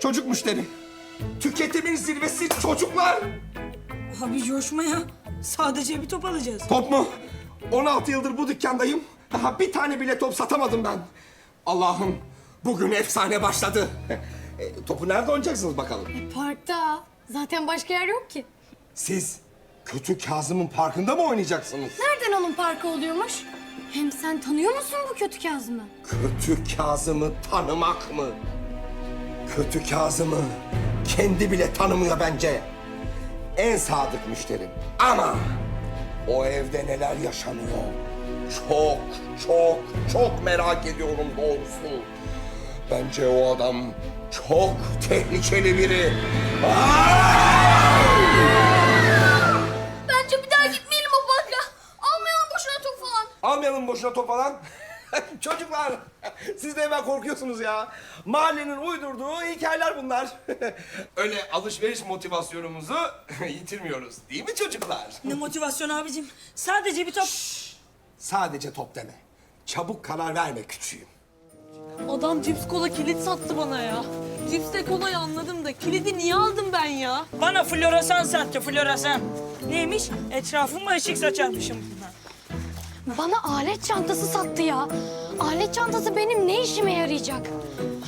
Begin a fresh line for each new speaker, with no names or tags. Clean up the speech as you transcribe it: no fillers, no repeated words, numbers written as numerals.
Çocuk müşteri. Tüketimin zirvesi çocuklar.
Abi coşma ya. Sadece bir top alacağız.
Top mu? 16 yıldır bu dükkandayım. Daha bir tane bile top satamadım ben. Allah'ım, bugün efsane başladı. Topu nerede oynayacaksınız bakalım?
Parkta. Zaten başka yer yok ki.
Siz kötü Kazım'ın parkında mı oynayacaksınız?
Nereden onun parkı oluyormuş? Hem sen tanıyor musun bu kötü Kazım'ı?
Kötü Kazım'ı tanımak mı? Kötü Kazım'ı kendi bile tanımıyor bence. En sadık müşterim. Ama o evde neler yaşanıyor? Çok, çok, çok merak ediyorum doğrusu. Bence o adam çok tehlikeli biri.
Bence bir daha gitmeyelim o parka. Almayalım boşuna top falan.
Almayalım boşuna top falan. Çocuklar, siz de hemen korkuyorsunuz ya. Mahallenin uydurduğu hikayeler bunlar. Öyle alışveriş motivasyonumuzu yitirmiyoruz. Değil mi çocuklar?
Ne motivasyon abicim? Sadece bir top.
Sadece top deme. Çabuk karar verme küçüğüm.
Adam cips kola kilit sattı bana ya. Cipsle kolayı anladım da kilidi niye aldım ben ya?
Bana floresan sattı, floresan. Neymiş? Etrafıma ışık saçarmışım bundan.
Bana alet çantası sattı ya. Alet çantası benim ne işime yarayacak?